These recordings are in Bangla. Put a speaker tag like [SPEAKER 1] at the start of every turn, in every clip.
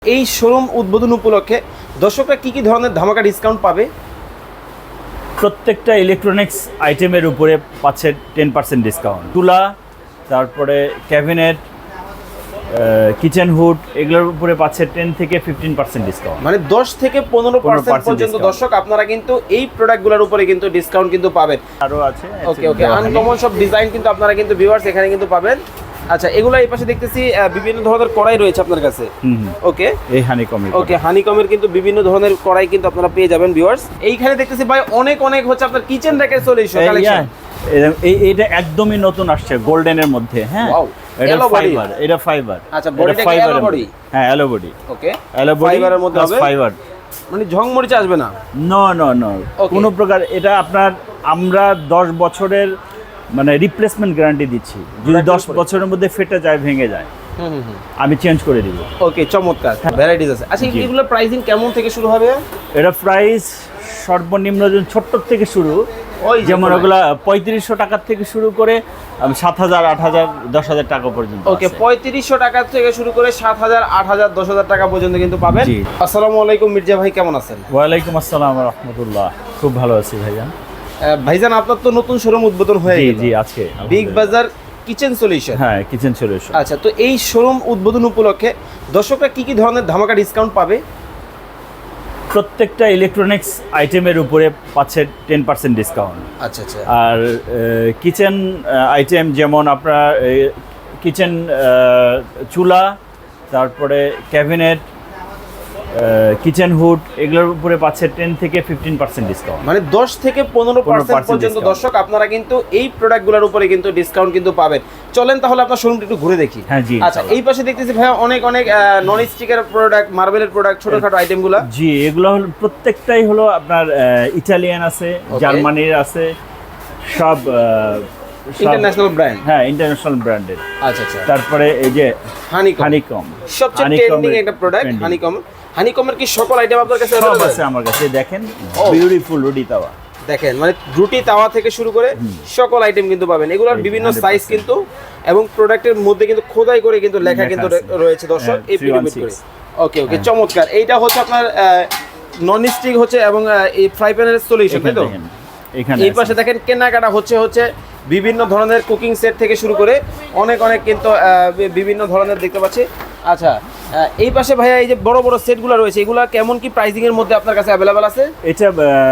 [SPEAKER 1] এই শোরুম উদ্বোধন উপলক্ষে দর্শকরা কি কি ধরনের ধামাকা ডিসকাউন্ট পাবে?
[SPEAKER 2] প্রত্যেকটা ইলেকট্রনিক্স আইটেমের উপরে পাচ্ছে 10% ডিসকাউন্ট। তুলা, তারপরে ক্যাবিনেট, কিচেন হুড, এগুলোর উপরে পাচ্ছে 10 থেকে 15% ডিসকাউন্ট।
[SPEAKER 1] মানে 10 থেকে 15% পর্যন্ত দর্শক আপনারা কিন্তু এই প্রোডাক্টগুলোর উপরে কিন্তু ডিসকাউন্ট কিন্তু পাবেন।
[SPEAKER 2] আরও আছে
[SPEAKER 1] ওকে আনকমন সব ডিজাইন কিন্তু আপনারা কিন্তু ভিউয়ার্স এখানে কিন্তু পাবেন। আচ্ছা, এগুলো এই পাশে দেখতেছি বিভিন্ন ধরনের কড়াই রয়েছে আপনার কাছে। ওকে,
[SPEAKER 2] এই হানিকমের
[SPEAKER 1] হানিকমের কিন্তু বিভিন্ন ধরনের কড়াই কিন্তু আপনারা পেয়ে যাবেন ভিউয়ার্স। এইখানে দেখতেছি ভাই অনেক হচ্ছে আপনার কিচেন র্যাকের সলিউশন কালেকশন।
[SPEAKER 2] এইটা একদমই নতুন আসছে গোল্ডেনের মধ্যে। হ্যাঁ, এটা ফাইবার, এটা ফাইবার।
[SPEAKER 1] আচ্ছা, বডিটা কি অ্যালো বডি?
[SPEAKER 2] হ্যাঁ, yellow body.
[SPEAKER 1] Okay,
[SPEAKER 2] yellow body
[SPEAKER 1] ফাইবারের মধ্যে হবে,
[SPEAKER 2] ফাইবার।
[SPEAKER 1] মানে ঝং মরিচা আসবে না?
[SPEAKER 2] নো কোনো প্রকার। এটা আপনার আমরা 10 বছরের মানে রিপ্লেসমেন্ট গ্যারান্টি দিচ্ছি। যদি 10 বছরের মধ্যে ফেটে যায়, ভেঙে যায়, আমি চেঞ্জ করে দিব।
[SPEAKER 1] ওকে, চমৎকার ভ্যারাইটিস আছে। আচ্ছা, এগুলো প্রাইসিং কেমন থেকে শুরু হবে?
[SPEAKER 2] এটা প্রাইস সর্বনিম্ন ছোট্ট থেকে শুরু, যেমন ওগুলা 3500 টাকার থেকে শুরু করে 7000, 8000, 10000 টাকা পর্যন্ত।
[SPEAKER 1] ওকে, 3500 টাকা থেকে শুরু করে 7000, 8000, 10000 টাকা পর্যন্ত কিন্তু পাবেন। আসসালামু আলাইকুম মির্জা ভাই, কেমন আছেন?
[SPEAKER 2] ওয়ালাইকুম আসসালাম ওয়া রাহমাতুল্লাহ। খুব ভালো আছি ভাইজান।
[SPEAKER 1] ভাইজান, আপনার তো নতুন শোরুম উদ্বোধন হয়ে গেল।
[SPEAKER 2] জি, আজকে
[SPEAKER 1] বিগ বাজার কিচেন সলিউশন।
[SPEAKER 2] হ্যাঁ, কিচেন সলিউশন।
[SPEAKER 1] আচ্ছা, তো এই শোরুম উদ্বোধন উপলক্ষে দর্শকরা কি কি ধরনের ধামাকা ডিসকাউন্ট পাবে?
[SPEAKER 2] প্রত্যেকটা ইলেকট্রনিক্স আইটেমের উপরে পাচ্ছে 10% ডিসকাউন্ট।
[SPEAKER 1] আচ্ছা।
[SPEAKER 2] আর কিচেন আইটেম যেমন আপনার কিচেন চুলা, তারপরে ক্যাবিনেট, কিচেন হুড, এগুলোর উপরে পাচ্ছে 10 থেকে 15% ডিসকাউন্ট।
[SPEAKER 1] মানে 10 থেকে 15% পর্যন্ত দর্শক আপনারা কিন্তু এই প্রোডাক্টগুলোর উপরে কিন্তু ডিসকাউন্ট কিন্তু পাবেন। চলেন তাহলে আপনার শোরুমটা একটু ঘুরে দেখি।
[SPEAKER 2] হ্যাঁ জি।
[SPEAKER 1] আচ্ছা, এই পাশে দেখতেছি ভাই অনেক নন স্টিকের প্রোডাক্ট, মার্বেলের প্রোডাক্ট, ছোটখাটো আইটেমগুলো।
[SPEAKER 2] জি, এগুলো হলো প্রত্যেকটাই হলো আপনার ইটালিয়ান আছে, জার্মানির আছে, সব
[SPEAKER 1] ইন্টারন্যাশনাল ব্র্যান্ড।
[SPEAKER 2] হ্যাঁ, ইন্টারন্যাশনাল ব্র্যান্ডেড।
[SPEAKER 1] আচ্ছা।
[SPEAKER 2] তারপরে এই যে
[SPEAKER 1] হানিকম সবচেয়ে ট্রেন্ডিং একটা প্রোডাক্ট। হানিকমের কি সকল আইটেম আপনার কাছে
[SPEAKER 2] সব আছে আমার কাছে। দেখেন, বিউটিফুল রুটি তাওয়া।
[SPEAKER 1] দেখেন, মানে রুটি তাওয়া থেকে শুরু করে সকল আইটেম কিন্তু পাবেন। এগুলোর বিভিন্ন সাইজ কিন্তু এবং প্রোডাক্টের মধ্যে কিন্তু খোদাই করে কিন্তু লেখা কিন্তু রয়েছে দর্শক এই পিডিএফ করে। ওকে, চমৎকার। এইটা হচ্ছে আপনার নন স্টিক হচ্ছে এবং এই ফ্রাই প্যানের সলিউশন, তাই তো? এই পাশে দেখেন কেনাকাটা হচ্ছে বিভিন্ন ধরনের কুকিং সেট থেকে শুরু করে অনেক কিন্তু বিভিন্ন ধরনের দেখতে পাচ্ছি। আচ্ছা, এই পাশে ভাইয়া এই যে বড় সেটগুলো রয়েছে, এগুলা কেমন কি প্রাইসিং এর মধ্যে আপনার কাছে অ্যাভেলেবল আছে?
[SPEAKER 2] এটা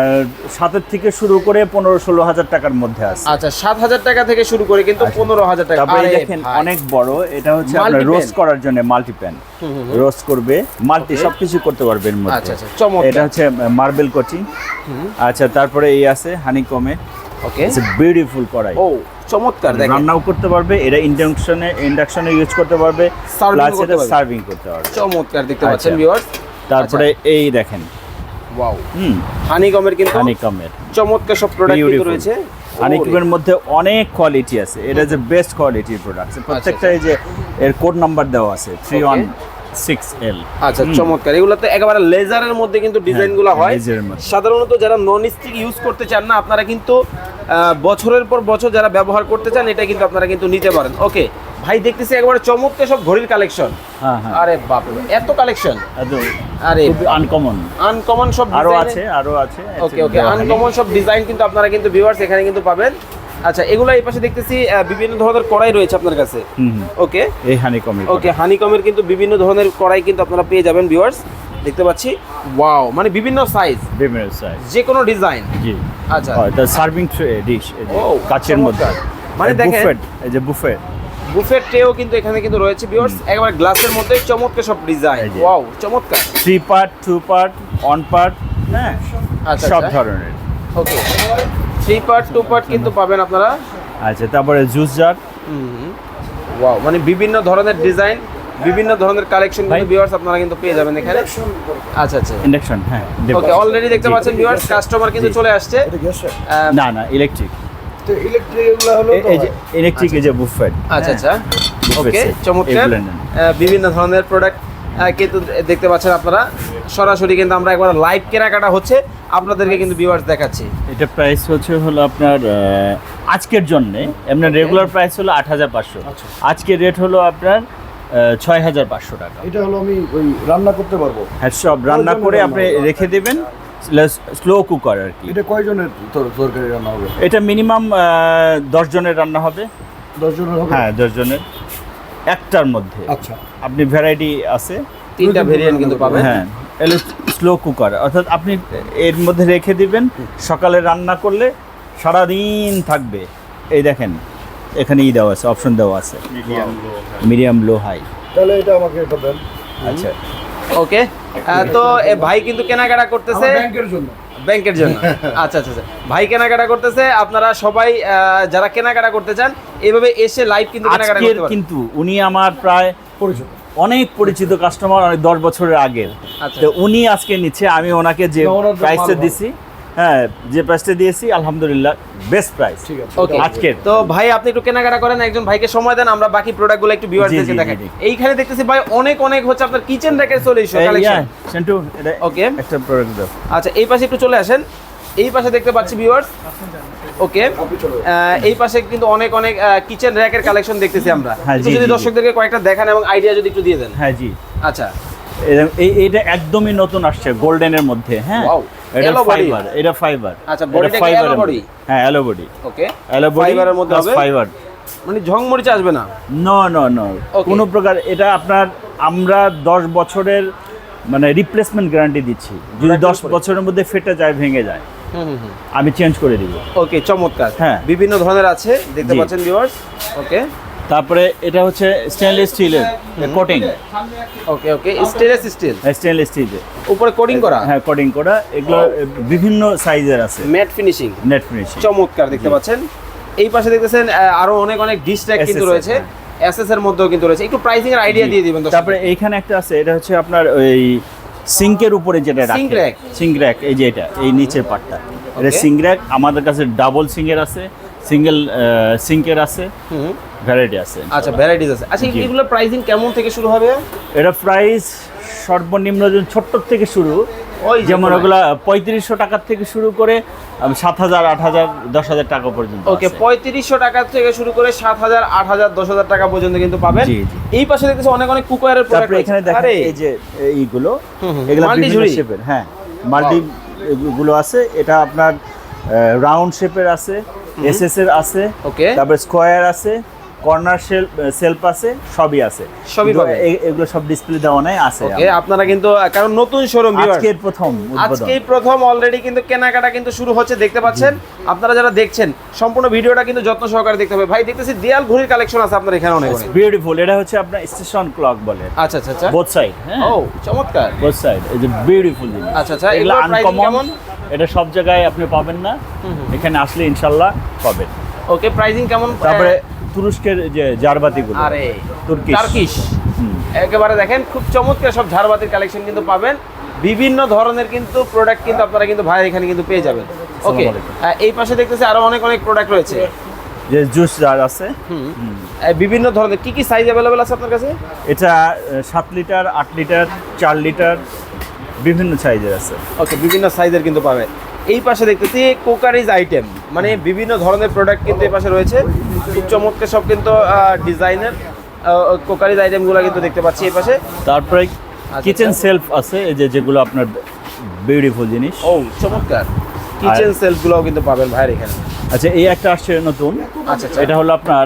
[SPEAKER 2] 7 থেকে শুরু করে 15-16 হাজার টাকার মধ্যে আছে।
[SPEAKER 1] আচ্ছা, 7000 টাকা থেকে শুরু করে কিন্তু 15000 টাকা।
[SPEAKER 2] তারপরে দেখেন অনেক বড়, এটা হচ্ছে আপনার রোস্ট করার জন্য মাল্টি প্যান। রোস্ট করবে, মাল্টি সবকিছু করতে পারবে এর মধ্যে।
[SPEAKER 1] আচ্ছা, চমৎকার।
[SPEAKER 2] এটা হচ্ছে মার্বেল কোচিং। আচ্ছা, তারপরে এই আছে হানিকমে।
[SPEAKER 1] ওকে,
[SPEAKER 2] ইটস বিউটিফুল কড়াই।
[SPEAKER 1] ও চমৎকার। দেখেন,
[SPEAKER 2] রান্নাও করতে পারবে, এটা ইন্ডাকশনে ইউজ করতে পারবে, প্লাস এটা সার্ভিং করতে পারবে।
[SPEAKER 1] চমৎকার দেখতে পাচ্ছেন ভিউয়ার্স।
[SPEAKER 2] তারপরে এই দেখেন,
[SPEAKER 1] ওয়াও, হানিকমের কিন্তু
[SPEAKER 2] হানিকমের
[SPEAKER 1] চমৎকার সব প্রোডাক্ট কিন্তু রয়েছে।
[SPEAKER 2] হানিকমের মধ্যে অনেক কোয়ালিটি আছে। এটা যে বেস্ট কোয়ালিটির প্রোডাক্ট। প্রত্যেকটা এই যে এর কোড নাম্বার দেওয়া আছে 316L।
[SPEAKER 1] আচ্ছা, চমৎকার। এগুলোতে একেবারে লেজারের মধ্যে কিন্তু ডিজাইনগুলো হয়। সাধারণত যারা নন স্টিক ইউজ করতে চান না, আপনারা কিন্তু বছরের পর বছর যারা ব্যবহার করতে চান, এটা কিন্তু আপনারা কিন্তু নিতে পারেন। ওকে ভাই, দেখতেছি একেবারে চমৎকার সব ঘড়ির কালেকশন। আরে বাপ রে, এত কালেকশন! আরে আনকমন সব
[SPEAKER 2] আরো আছে।
[SPEAKER 1] ওকে, আনকমন সব ডিজাইন কিন্তু আপনারা কিন্তু ভিউয়ার্স এখানে কিন্তু পাবেন। আচ্ছা, এগুলো এই পাশে দেখতেছি বিভিন্ন ধরনের কড়াই রয়েছে আপনার কাছে। ওকে,
[SPEAKER 2] এই হানিকমের।
[SPEAKER 1] ওকে, হানিকমের কিন্তু বিভিন্ন ধরনের কড়াই কিন্তু আপনারা পেয়ে যাবেন ভিউয়ার্স, দেখতে পাচ্ছি। ওয়াও, মানে বিভিন্ন সাইজ, যে কোনো ডিজাইন।
[SPEAKER 2] জি।
[SPEAKER 1] আচ্ছা,
[SPEAKER 2] এটা সার্ভিং ডিশ, কাচের মধ্যে।
[SPEAKER 1] মানে দেখেন,
[SPEAKER 2] এই যে
[SPEAKER 1] বুফেট ট্রেও কিন্তু এখানে কিন্তু রয়েছে ভিউয়ার্স, একেবারে গ্লাসের মধ্যে চমৎকার সব ডিজাইন। ওয়াও, চমৎকার।
[SPEAKER 2] 3 পার্ট, 2 পার্ট, 1 পার্ট, হ্যাঁ, সব ধরনের।
[SPEAKER 1] ওকে, 3 পার্ট, 2 পার্ট কিন্তু পাবেন আপনারা।
[SPEAKER 2] আচ্ছা, তারপরে জুস জার।
[SPEAKER 1] ওয়াও, মানে বিভিন্ন ধরনের ডিজাইন, বিভিন্ন ধরনের কালেকশন কিন্তু ভিউয়ার্স আপনারা কিন্তু পেয়ে যাবেন এখানে। আচ্ছা,
[SPEAKER 2] ইন্ডাকশন। হ্যাঁ,
[SPEAKER 1] ওকে, অলরেডি দেখতে পাচ্ছেন ভিউয়ার্স, কাস্টমার কিন্তু চলে আসছে।
[SPEAKER 2] না, ইলেকট্রিক।
[SPEAKER 1] তো ইলেকট্রিক এগুলো হলো
[SPEAKER 2] এই যে ইলেকট্রিক, এই যে বুফেট।
[SPEAKER 1] আচ্ছা, ওকে, চমৎকার। বিভিন্ন ধরনের প্রোডাক্ট কিন্তু দেখতে পাচ্ছেন আপনারা। সরাসরি কিন্তু আমরা একবার লাইভ কেনাকাটা হচ্ছে আপনাদেরকে কিন্তু ভিউয়ার্স দেখাচ্ছি।
[SPEAKER 2] এটা প্রাইস হলো আপনার আজকের জন্য, এমনি রেগুলার প্রাইস হলো 8500। আজকের রেট হলো আপনার 6,500 টাকা।
[SPEAKER 3] এটা হলো আমি ওই রান্না করতে পারবো।
[SPEAKER 2] হ্যাঁ, সব রান্না করে
[SPEAKER 3] রান্না
[SPEAKER 2] আপনি
[SPEAKER 3] হবে।
[SPEAKER 2] রেখে দেবেন, স্লো কুকার আর কি।
[SPEAKER 3] এটা কয়জনের তরকারি রান্না হবে?
[SPEAKER 2] এটা মিনিমাম 10 জনের রান্না হবে।
[SPEAKER 3] 10 জনের হবে?
[SPEAKER 2] হ্যাঁ, 10 জনের একটার মধ্যে।
[SPEAKER 3] আচ্ছা,
[SPEAKER 2] আপনি ভ্যারাইটি আছে,
[SPEAKER 1] 3টা ভেরিয়েন্ট কিন্তু পাবেন।
[SPEAKER 2] হ্যাঁ, এলো স্লো কুকার, অর্থাৎ আপনি এর মধ্যে রেখে দিবেন, সকালে রান্না করলে সারাদিন থাকবে। এই দেখেন এখানে দেওয়া আছে, অপশন দেওয়া আছে, মিডিয়াম লো হাই।
[SPEAKER 3] তাহলে এটা আমাকে এটা দেন।
[SPEAKER 2] আচ্ছা,
[SPEAKER 1] ওকে, তো ভাই কিন্তু কেনাকাটা করতেছে
[SPEAKER 3] আমার ব্যাংকের জন্য।
[SPEAKER 1] ব্যাংকের জন্য। আচ্ছা আচ্ছা আচ্ছা, ভাই কেনাকাটা করতেছে। আপনারা সবাই যারা কেনাকাটা করতে চান এইভাবে এসে লাইভ কিন্তু কেনাকাটা
[SPEAKER 2] আজকের
[SPEAKER 1] করতে পারেন।
[SPEAKER 2] কিন্তু উনি আমার প্রায়
[SPEAKER 3] পরিচিত।
[SPEAKER 2] অনেক পরিচিত কাস্টমার, অনেক 10 বছরের আগের।
[SPEAKER 1] আচ্ছা।
[SPEAKER 2] তো উনি আজকে নিচ্ছে, আমি ওনাকে যে
[SPEAKER 3] না, ওনার তো
[SPEAKER 2] প্রাইসটা
[SPEAKER 3] মাল ভালো।
[SPEAKER 2] দিছি, হ্যাঁ, যে প্রাইসটা দিয়েছি আলহামদুলিল্লাহ বেস্ট প্রাইস।
[SPEAKER 3] ঠিক আছে।
[SPEAKER 1] ওকে,
[SPEAKER 2] আজকের।
[SPEAKER 1] তো ভাই আপনি একটু কেনাকাটা করেন, একজন ভাইকে সময় দেন, আমরা বাকি প্রোডাক্টগুলো একটু
[SPEAKER 2] জি,
[SPEAKER 1] ভিউয়ারদেরকে
[SPEAKER 2] জি,
[SPEAKER 1] দেখাই।
[SPEAKER 2] জি।
[SPEAKER 1] এইখানে দেখতেছি ভাই অনেক অনেক হচ্ছে আপনার কিচেন র্যাকের সলিউশন
[SPEAKER 2] এই,
[SPEAKER 1] কালেকশন।
[SPEAKER 2] yeah, সেন্টু, এটা
[SPEAKER 1] ওকে।
[SPEAKER 2] একটা প্রোডাক্ট দাও।
[SPEAKER 1] আচ্ছা, এই পাশে একটু চলে আসেন। এই পাশে দেখতে পাচ্ছি ভিউয়ার্স। ওকে, এই পাশে কিন্তু অনেক অনেক কিচেন র্যাকের কালেকশন দেখতেছি আমরা।
[SPEAKER 2] হ্যাঁ,
[SPEAKER 1] একটু
[SPEAKER 2] জি,
[SPEAKER 1] যদি
[SPEAKER 2] জি, জি।
[SPEAKER 1] দর্শকদেরকে কয়েকটা দেখান এবং আইডিয়া যদি একটু দিয়ে দেন।
[SPEAKER 2] হ্যাঁ জি,
[SPEAKER 1] আচ্ছা,
[SPEAKER 2] এইটা একদমই নতুন আসছে গোল্ডেনের মধ্যে। হ্যাঁ,
[SPEAKER 1] Wow,
[SPEAKER 2] এটা
[SPEAKER 1] yellow body।
[SPEAKER 2] ফাইবার, এটা ফাইবার।
[SPEAKER 1] আচ্ছা, bodyটা কি yellow body?
[SPEAKER 2] হ্যাঁ, yellow body,
[SPEAKER 1] ওকে,
[SPEAKER 2] yellow body
[SPEAKER 1] ফাইবারের মধ্যে
[SPEAKER 2] plus
[SPEAKER 1] হবে,
[SPEAKER 2] ফাইবার।
[SPEAKER 1] মানে ঝংমরিচা আসবে না।
[SPEAKER 2] No no no,
[SPEAKER 1] Okay.
[SPEAKER 2] কোনো প্রকার। এটা আপনার আমরা 10 বছরের মানে রিপ্লেসমেন্ট গ্যারান্টি দিচ্ছি। যদি 10 বছরের মধ্যে ফেটে যায়, ভেঙে যায়, আমি চেঞ্জ করে দিব।
[SPEAKER 1] ওকে, চমৎকার।
[SPEAKER 2] হ্যাঁ।
[SPEAKER 1] বিভিন্ন ধরনের আছে, দেখতে
[SPEAKER 2] জি।
[SPEAKER 1] পাচ্ছেন ভিউয়ার্স। ওকে
[SPEAKER 2] তারপরে এটা হচ্ছে স্টেনলেস স্টিলের coating,
[SPEAKER 1] okay okay, stainless steel,
[SPEAKER 2] stainless স্টিলের
[SPEAKER 1] উপরে কোডিং করা,
[SPEAKER 2] হ্যাঁ, কোটিং করা। এগুলো বিভিন্ন সাইজের আছে,
[SPEAKER 1] ম্যাট ফিনিশিং,
[SPEAKER 2] নেট ফিনিশিং।
[SPEAKER 1] চমৎকার দেখতে পাচ্ছেন। এই পাশে দেখতেছেন আরো অনেক অনেক ডিশ ট্যাগ কিন্তু
[SPEAKER 2] SS
[SPEAKER 1] রয়েছে, এসএস এর মধ্যেও কিন্তু রয়েছে। একটু প্রাইসিং এর আইডিয়া দিয়ে দিবেন দর্শক।
[SPEAKER 2] তারপরে এইখানে একটা আছে, এটা হচ্ছে আপনার ওই সিঙ্কের উপরে যেটা রাখে,
[SPEAKER 1] Sink rack?
[SPEAKER 2] Sync rack. এই যে এটা, এই নিচের পার্টটা, এটা
[SPEAKER 1] Okay.
[SPEAKER 2] Sync rack. আমাদের কাছে ডাবল সিঙ্কের আছে, সিঙ্গেল সিঙ্কের আছে,
[SPEAKER 1] হুম,
[SPEAKER 2] ভ্যারাইটি আছে।
[SPEAKER 1] আচ্ছা, ভ্যারাইটিস আছে। আচ্ছা,
[SPEAKER 2] জি।
[SPEAKER 1] এগুলো প্রাইসিং কেমন থেকে শুরু হবে?
[SPEAKER 2] এটা প্রাইস সর্বনিম্ন ছোট্ট থেকে শুরু,
[SPEAKER 1] ওই
[SPEAKER 2] যেমন ওগুলো 3500 টাকার থেকে শুরু করে 7,000, 8,000, 10,000 টাকা পর্যন্ত।
[SPEAKER 1] ওকে,
[SPEAKER 2] আছে।
[SPEAKER 1] 3500 টাকা থেকে শুরু করে 7,000, 8,000, 10,000 টাকা পর্যন্ত কিন্তু পাবেন।
[SPEAKER 2] জি, জি।
[SPEAKER 1] এই পাশে দেখতেছি অনেক অনেক কুকওয়্যারের প্রোডাক্ট।
[SPEAKER 2] তারপরে এখানে দেখেন এই যে এইগুলো, এগুলো
[SPEAKER 1] Multi
[SPEAKER 2] বিভিন্ন
[SPEAKER 1] ঝুড়ি।
[SPEAKER 2] শেপের, হ্যাঁ, মাল্টি গুলো আছে। এটা আপনার রাউন্ড শেপের আছে, এসএস এর আছে,
[SPEAKER 1] Okay.
[SPEAKER 2] তারপরে স্কয়ার আছে, কর্নার সেলফ আছে, সবই আছে।
[SPEAKER 1] সবই
[SPEAKER 2] কিন্তু
[SPEAKER 1] পাবেন।
[SPEAKER 2] এগুলো সব ডিসপ্লে দেওয়া নাই, আছে
[SPEAKER 1] ওকে, আপনারা কিন্তু কারণ নতুন শোরুম
[SPEAKER 2] আজকের প্রথম উদ্বোধন।
[SPEAKER 1] আজকেই প্রথম অলরেডি কিন্তু কেনাকাটা কিন্তু শুরু হচ্ছে, দেখতে পাচ্ছেন। আপনারা যারা দেখছেন সম্পূর্ণ ভিডিওটা কিন্তু যত্ন সহকারে দেখতে হবে। ভাই দেখতেছি দেয়াল ঘড়ির কালেকশন আছে আপনার এখানে অনেক অনেক।
[SPEAKER 2] বিউটিফুল। এটা হচ্ছে আপনার স্টেশন ক্লক বলে,
[SPEAKER 1] আচ্ছা আচ্ছা আচ্ছা,
[SPEAKER 2] বোথ সাইড। হ্যাঁ,
[SPEAKER 1] ও চমৎকার।
[SPEAKER 2] বোথ সাইড, এই যে বিউটিফুল জিনিস।
[SPEAKER 1] আচ্ছা আচ্ছা,
[SPEAKER 2] এগুলো
[SPEAKER 1] এগুলোর প্রাইসিং
[SPEAKER 2] আনকমন,
[SPEAKER 1] কেমন?
[SPEAKER 2] এটা সব জায়গায় আপনি পাবেন না, এখানে আসলে ইনশাল্লাহ পাবেন।
[SPEAKER 1] ওকে, প্রাইসিং কেমন?
[SPEAKER 2] তারপরে তুরস্কের যে জারবাতিগুলো,
[SPEAKER 1] আরে
[SPEAKER 2] তুর্কিশ।
[SPEAKER 1] টার্কিশ, একেবারে দেখেন খুব চমৎকার সব ঝাড়বাতির কালেকশন কিন্তু পাবেন। বিভিন্ন ধরনের কিন্তু প্রোডাক্ট কিন্তু আপনারা কিন্তু ভাই এখানে কিন্তু পেয়ে যাবেন। ওকে,
[SPEAKER 2] আলাইকুম।
[SPEAKER 1] এই পাশে দেখতেছি আরো অনেক অনেক প্রোডাক্ট রয়েছে।
[SPEAKER 2] যে জুস জার আছে,
[SPEAKER 1] বিভিন্ন ধরনের কি কি সাইজ অ্যাভেলেবেল আছে আপনার কাছে?
[SPEAKER 2] এটা 7 লিটার, 8 লিটার, 4 লিটার, বিভিন্ন সাইজের আছে।
[SPEAKER 1] ওকে, বিভিন্ন সাইজের কিন্তু পাবে। এই পাশে দেখতেছি কুকারিজ আইটেম, মানে বিভিন্ন ধরনের প্রোডাক্ট কিন্তু এই পাশে রয়েছে। খুব চমৎকার সব কিন্তু ডিজাইনের কুকারিজ আইটেমগুলো কিন্তু দেখতে পাচ্ছি এই পাশে।
[SPEAKER 2] তারপরে কিচেন সেলফ আছে, এই যে যেগুলো আপনার বিউটিফুল জিনিস।
[SPEAKER 1] ও চমৎকার, কিচেন সেলফগুলোও কিন্তু পাবেন ভাইয়ের এখানে।
[SPEAKER 2] আচ্ছা, এই একটা আসছে নতুন।
[SPEAKER 1] আচ্ছা আচ্ছা,
[SPEAKER 2] এটা হলো আপনার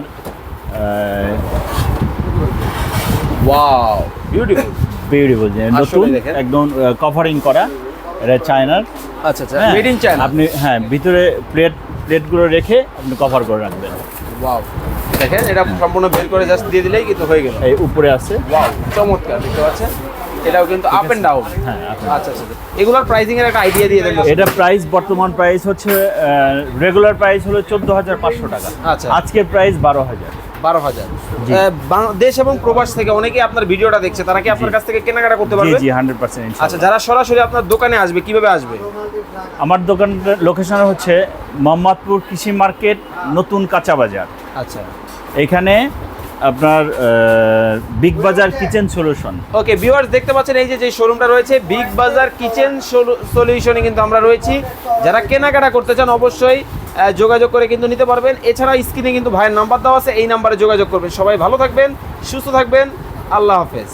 [SPEAKER 1] ওয়াও বিউটিফুল।
[SPEAKER 2] বিউটিফুল জিনিস,
[SPEAKER 1] আসলে
[SPEAKER 2] নতুন,
[SPEAKER 1] দেখেন।
[SPEAKER 2] একদম কভারিং করা। এটা চায়নার।
[SPEAKER 1] আচ্ছা আচ্ছা,
[SPEAKER 2] হ্যাঁ,
[SPEAKER 1] মেড ইন চায়না।
[SPEAKER 2] আপনি হ্যাঁ ভিতরে প্লেটগুলো রেখে আপনি কভার করে রাখবেন।
[SPEAKER 1] ওয়াও, দেখেন এটা সম্পূর্ণ বের করে জাস্ট দিয়ে দিলেই কিন্তু হয়ে গেল।
[SPEAKER 2] এই উপরে আছে।
[SPEAKER 1] ওয়াও, চমৎকার দেখতে পাচ্ছেন। এটাও কিন্তু আপ এন্ড ডাউন।
[SPEAKER 2] হ্যাঁ, আপনি
[SPEAKER 1] আচ্ছা আচ্ছা, এগুলোর প্রাইসিং এর একটা আইডিয়া দিয়ে দেন।
[SPEAKER 2] এটা প্রাইস, বর্তমান প্রাইস হচ্ছে রেগুলার প্রাইস হলো 14,500 টাকা।
[SPEAKER 1] আচ্ছা।
[SPEAKER 2] আজকের প্রাইস 12,000।
[SPEAKER 1] 12,000। দেশ এবং প্রবাস থেকে অনেকেই আপনার ভিডিওটা দেখছে, তারা কি আপনার কাছ থেকে কেনাকাটা করতে
[SPEAKER 2] জি
[SPEAKER 1] পারবে?
[SPEAKER 2] জি, 100%।
[SPEAKER 1] আচ্ছা, যারা সরাসরি আপনার দোকানে আসবে কিভাবে আসবে?
[SPEAKER 2] আমার দোকানটার লোকেশন হচ্ছে মোহাম্মদপুর কৃষি মার্কেট, নতুন কাঁচা বাজার।
[SPEAKER 1] আচ্ছা,
[SPEAKER 2] এখানে আপনার big Bazaar kitchen solution.
[SPEAKER 1] Okay viewers, দেখতে পাচ্ছেন এই যে শোরুমটা রয়েছে বিগ বাজার কিচেন সলিউশনে কিন্তু আমরা রয়েছি। যারা কেনাকাটা করতে চান অবশ্যই যোগাযোগ করে কিন্তু নিতে পারবেন। এছাড়া স্ক্রিনে কিন্তু ভাইয়ের নাম্বার দেওয়া আছে, এই নাম্বারে যোগাযোগ করবেন। সবাই ভালো থাকবেন, সুস্থ থাকবেন, আল্লাহ হাফেজ।